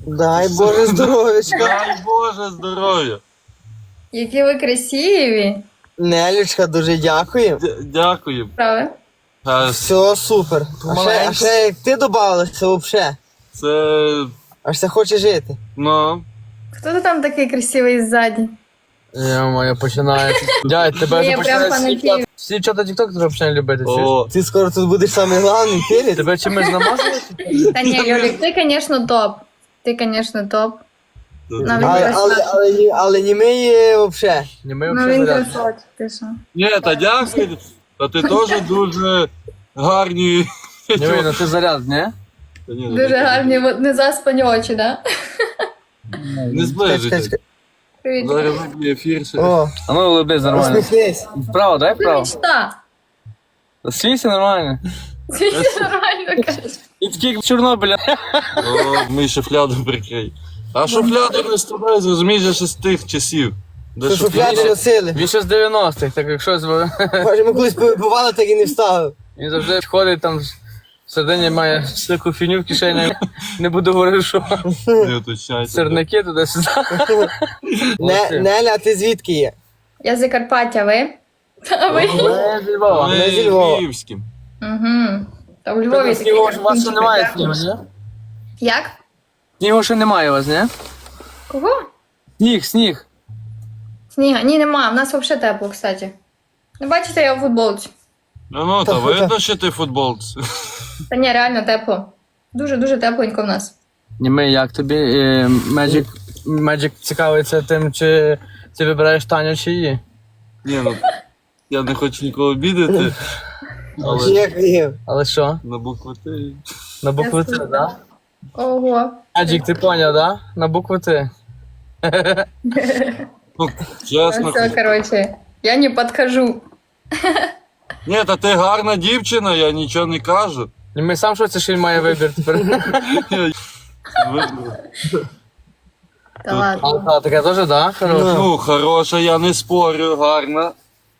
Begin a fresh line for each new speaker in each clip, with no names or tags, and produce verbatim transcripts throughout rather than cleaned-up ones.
Дай Боже здоров'ячка.
Дай Боже здоров'я.
Які ви красиві.
Нелючка, дуже дякую.
Д- Дякую.
Правда?
А
Все супер. А ще, а ще як ти додавалася взагалі.
це,
Аж все хоче жити.
ну,
Хто ти там такий красивий ззаді?
Я моя починає. Дядь, тебе
Я
вже
прям
починає
фанатію.
всі чого тік-ток вже починає любити. чуєш?
о,
Ти скоро тут будеш самий главний, перед.
Тебе чимось намазали?
Та ні, Льолік, ти, звісно, топ. Ти, звісно, топ. Навіть
Але, але,
красавчик.
але, ні- але не ми є взагалі.
Ні, ми
Ну
взагалі
він
заряд.
красавчик, ти що?
ні, та дякую. Та ти теж дуже гарні.
Ні, ну ти заряд, ні?
Та ні,
Дуже гарні, от незаспані очі, да?
Не
Чекай, чекай,
зближуйся.
чекай.
Привіт.
Зараз виб'є ефір ще.
О,
А ну улыбнись нормально.
усміхнись.
Вправо, дай
Ти
вправо.
мечта.
Слійся нормально.
Ти нормально кажеш.
І такий як в Чорнобиля.
О, ми шуфляду прикрий. А шуфляду не стріляй, зрозумієш, же ще з тих часів. Де
Що шуфляди
шуфляда?
носили.
Він ще з дев'яностих, так якщо з-
Може, ми колись побували, так і не вставив.
він завжди ходить там всередині має всяку фіню в кишені. Не буду говорити, що
Не уточняйте.
сирники туди-сюди.
Не, Неля, а ти звідки є?
Я з Закарпаття, ви? Та ви?
Ми зі Львова.
Ми зі Львова.
Ми Львівським.
Угу. Та в Львові такі
Снігу ж у вас ще
красунчики,
немає
так?
снігу, ні?
Як?
Снігу ще немає у вас, ні?
Кого?
Сніг, сніг.
Сніга? Ні, нема. У нас взагалі тепло, кстати. Ну, бачите, я у футболці.
Ну, ну,
Та
та
фото.
видно, що ти футболці.
Та ні, реально тепло. Дуже-дуже тепленько в нас.
Німи, як тобі? Е, Magic, Magic цікавиться тим, чи ти вибираєш Таню чи її?
Ні, ну, я не хочу нікого обідати, але
Як є?
Але що?
на букву Т.
На букву Т,
Ясно.
да?
Ого.
Magic, ти поняв, да? На букву Т.
Ну, чесно.
Все, короче, я не подхожу.
Ні, та ти гарна дівчина, я нічого не кажу.
Німи, сам що це, що він має вибір тепер?
Видно.
Та ладно.
А, таке теж, да? Хороша.
Ну, хороша, я не спорю, гарна.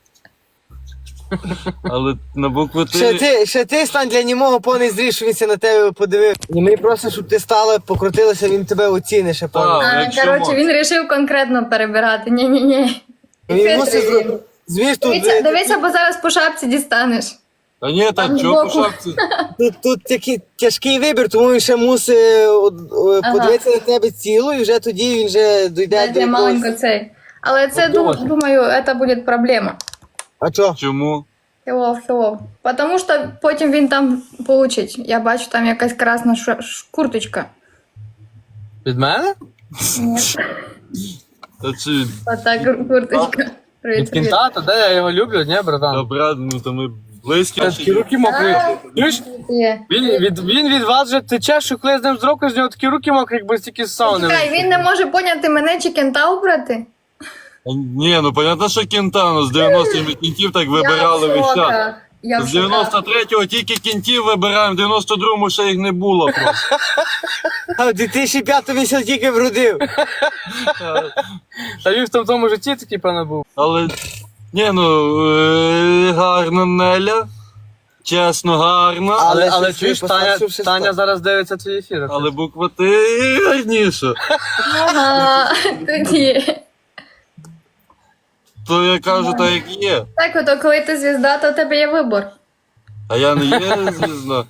Але на букву
Ще
Т.
ти, ще ти стань для німого повний зріз, що він ся на тебе подивив. І ми просто, щоб ти стала, покрутилася, він тебе оцінить ще повний.
Так.
А,
якщо
короче,
можна.
він вирішив конкретно перебирати. Ні-ні-ні.
Він мусить зробити. Звіж тут,
Дивися, дивися, бо зараз по шапці дістанеш.
Та ні, та
Там
чого по
збоку.
шапці?
тут, тут такий тяжкий вибір, тому він ще мусить е, е,
Ага.
подивитися на тебе цілу, і вже тоді він вже дойде до
Дайте маленько
якогось.
цей. Але це, ду- думаю, це буде проблема.
А чо?
Чому?
Хілов, хілов. Потому що потім він там получить. Я бачу, там якась красна ш- ш- курточка.
Від мене?
Ні,
Та чи...
отак кур- курточка.
Від
Привіт, привіт.
кінта, то де я його люблю, ні,
Та,
братан?
брат, ну то ми близькі.
Такі руки мокрі. Чуєш?
Є.
Він від, він від вас вже тече, що коли з ним з року, з нього такі руки мокрі, якби стільки з сауни.
Чекай, він не може поняти мене чи кента обрати?
Ні, ну понятно, що кінтану з дев'яностих ми кінтів так вибирали
Я в
весь час.
шоках. Я в
З
шоках.
дев'яносто третього тільки кінтів вибираємо, в дев'яносто другому ще їх не було просто.
А в дві тисячі п'ятому він ся тільки вродив.
Та він в тому, тому житті такий, певно, був.
Але, ні, ну, е, гарна Неля, чесно, гарна,
Але
Але, але
щось
чуєш,
ви
Таня,
поставивши
Таня
сто.
зараз дивиться твій ефір.
але буква Т гарніша.
Ага, тут є.
То я кажу, так як є.
Так, ото коли ти звізда, то у тебе є вибор.
А я не є звізда.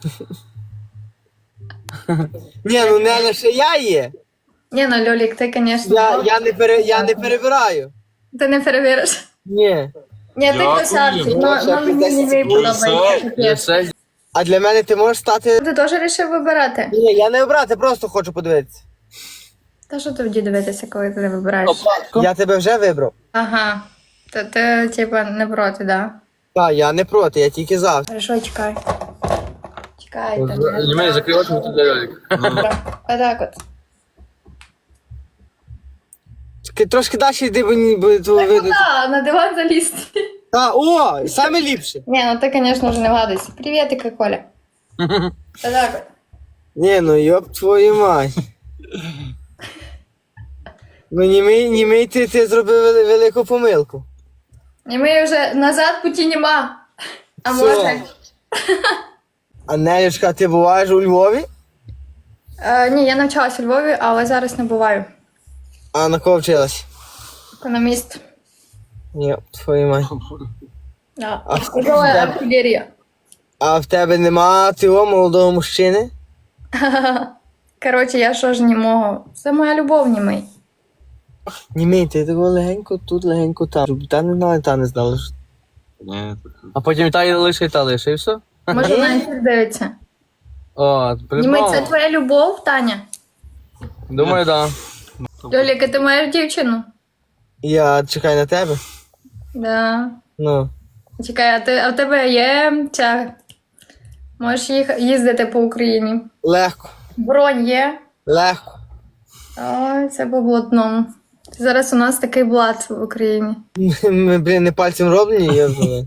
Ні, ну Неля ще я є.
Ні, ну Льолік, ти, звісно,
Я, я, не, пере, я не перебираю.
ти не перевіриш.
Ні.
Ні, ти
Дякую.
красавчик,
Ну,
ну,
ще
ну, мені
десять
не
секунд.
подобається.
Все,
капець.
Все.
А для мене ти можеш стати.
Ти теж вирішив вибирати?
Ні, я не обрати, просто хочу подивитися.
Та що тоді дивитися, коли ти не вибираєш?
Я тебе вже вибрав.
Ага. То ти, типа, не проти, да?
Так, я не проти, я тільки за.
Хорошо, чекай. Чекай, там.
Не мені закрий очі, тут для Льолік.
Отак от.
Чекай, трошки далі йди, бо ні- бо то
Так,
видно.
куди? На диван залізти.
А, о, саме ліпше.
Ні, ну ти, звісно, вже не вгадуйся. Привітика, Коля. Отак от.
Ні, ну йоп твою мать. Ну німий, німий ти, ти зробив вели- велику помилку.
І ми вже назад путі нема. А
Все.
може?
А Нелюшка, ти буваєш у Львові?
Е, ні, я навчалася у Львові, але зараз не буваю.
А на кого вчилась?
Економіст.
Ні, твою мать.
Да.
А
Тяжела артилерія.
А в тебе нема цього молодого мужчини?
Коротше, я що ж німого? Це моя любов, німий.
Німей, ти такого легенько тут, легенько там. Щоб та не знала, та не знала. що-
Ні, так.
А потім та й лише, та лише, і все?
Може, на ефір дивиться.
О,
Німий,
придумав.
це твоя любов, Таня?
Думаю, так.
Льоліка, ти маєш дівчину?
Я чекаю на тебе.
Да.
Ну.
Чекай, а, ти, а в тебе є ця... Можеш їх, їздити по Україні.
Легко.
Бронь є?
Легко.
Ой, це по блатному. Зараз у нас такий блат в Україні.
Ми, блін, не пальцем роблені, я знаю.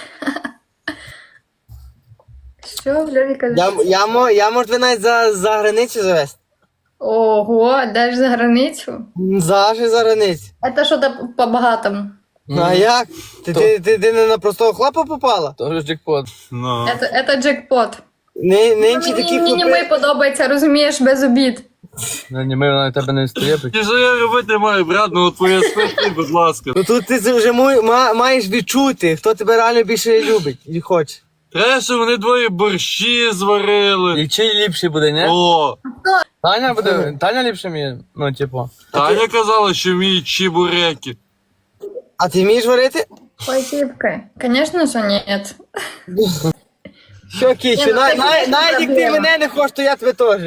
Що, Льоліка?
Я, я, мо- я можу тебе навіть за, за границю завести.
Ого, де ж за границю?
Завжди за границю.
Це що-то по-багатому.
Ну а як? Ти, ти, ти, ти не на простого хлопа попала?
То вже джекпот.
Ну.
Це, це джекпот.
Не, нинчі
Мені,
такі
мені
хлопи.
німий подобається, розумієш, без обід.
Ну, ні, ми на тебе не стає.
Ті що я робити маю, брат, ну от твоє спити, будь ласка.
Ну тут ти вже му- ма- маєш відчути, хто тебе реально більше любить і хоче.
Треба, щоб вони двоє борщі зварили.
І чий ліпший буде, ні?
О,
Таня буде, Таня ліпше мені, ну, типу.
Таня казала, що вміють чебуреки.
А ти вмієш варити?
Спасибо. Конечно же нет.
Що, Кічу,
Ні, ну,
на-
це
на-
якась
навіть як ти
проблема.
мене не хочеш, то я тебе теж.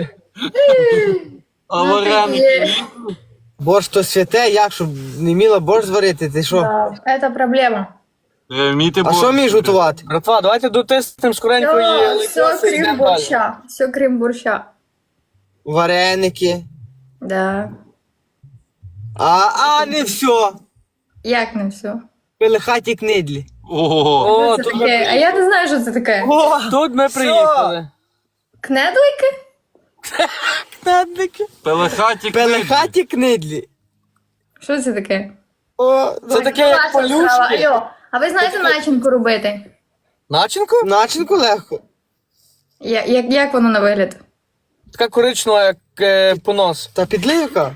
А
Ну,
вареники?
ти-
Борщ то святе, як, щоб не вміла борщ зварити, ти що?
Да, это проблема.
Треба вміти
А
борщ.
що вмієш готувати?
Братва, давайте дотиснемо скоренько
Все,
і
все крім борща. Все крім борща.
Вареники.
Да.
А, а не все.
Як не все?
Пелехаті книдлі.
Ого.
О,
Що це
тут
таке? А
ми,
я не знаю, що це таке.
О,
тут ми приїхали.
Кнедлики?
кнедлики.
Пелехаті
Пелехаті книдлі.
Що це таке?
О,
Це таке, як
Ваша справа.
полюшки.
Алло, а ви знаєте начинку робити?
Начинку?
начинку легко.
Я- Як, як воно на вигляд?
Така коричнева, як е, понос.
Та підливка.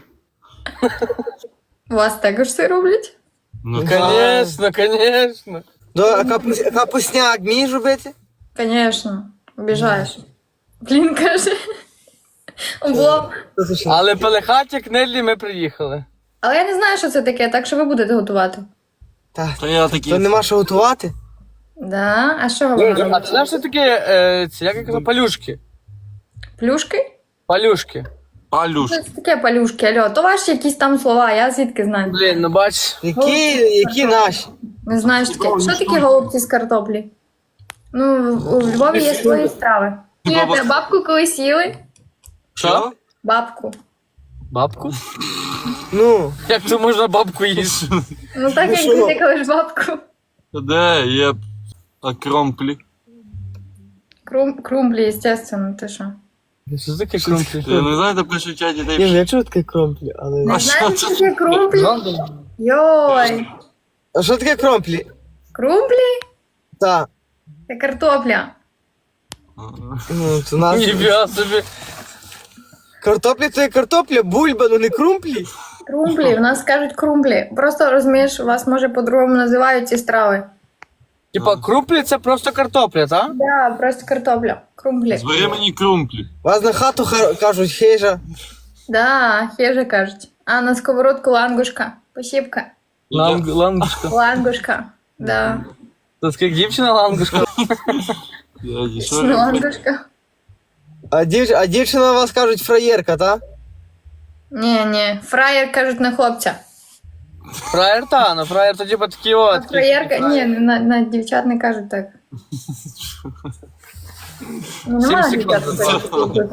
У вас також це роблять?
Ну,
Конечно, конечно.
До, а капус- капусняк вмієш робити?
Конечно. Обіжаєш. Блін, каже. Бо...
Але пелехаті кнедлі ми приїхали.
Але я не знаю, що це таке, так що ви будете готувати.
Та,
то я такий.
то нема що готувати.
Да? А що ви
А
робите?
це знаєш, що таке, е, ці, як я казав, палюшки?
Плюшки?
Палюшки.
Палюш.
Що це таке палюшки? Алло, то ваші якісь там слова, я звідки знаю?
Блін, ну бач.
Які, які наші?
Не знаю, що таке. Що таке голубці з картоплі? Ну, в- у Львові є свої страви. Ні,
Баба-
ти бабку колись їли?
Що?
Бабку.
Бабку?
Ну,
Як то можна бабку їсти?
Ну так як
що?
ти кажеш бабку.
Де є а кромплі?
Крум, крумблі, естественно, ти що?
Що це таке крумплі?
Я не знаю, де пишуть чаті,
ні, ну,
де
я чув таке кромплі, але...
Не
А
знаєш,
що
що
це?
таке крумблі? Йой.
А що таке кромплі?
Крумблі?
Та,
Це картопля.
ну, це нас...
Ніфіга собі.
Картопля то є картопля, бульба, ну не крумплі.
Крумблі, в нас кажуть крумблі. Просто розумієш, у вас може по-другому називають ці страви.
Типа, крумплі це просто картопля, так?
Да, просто картопля. Крумблі.
Звери мені крумплі.
Вас на хату ха- кажуть хижа.
Да, хеже кажуть. А на сковородку лангушка. Посіпка.
Ланг, лангушка.
Лангушка. Да.
Це скільки дівчина лангушка?
Я ні, що
Ну,
робити?
лангушка.
А, дів... а дівчина вас кажуть фраєрка, та?
Ні, ні. Фраєр кажуть на хлопця.
Фраєр та, ну фраєр то типа такі
А
от.
фраєрка, ні, на, на дівчат не кажуть так. Ну, немає
Сім
дівчат.
секунд.
таких.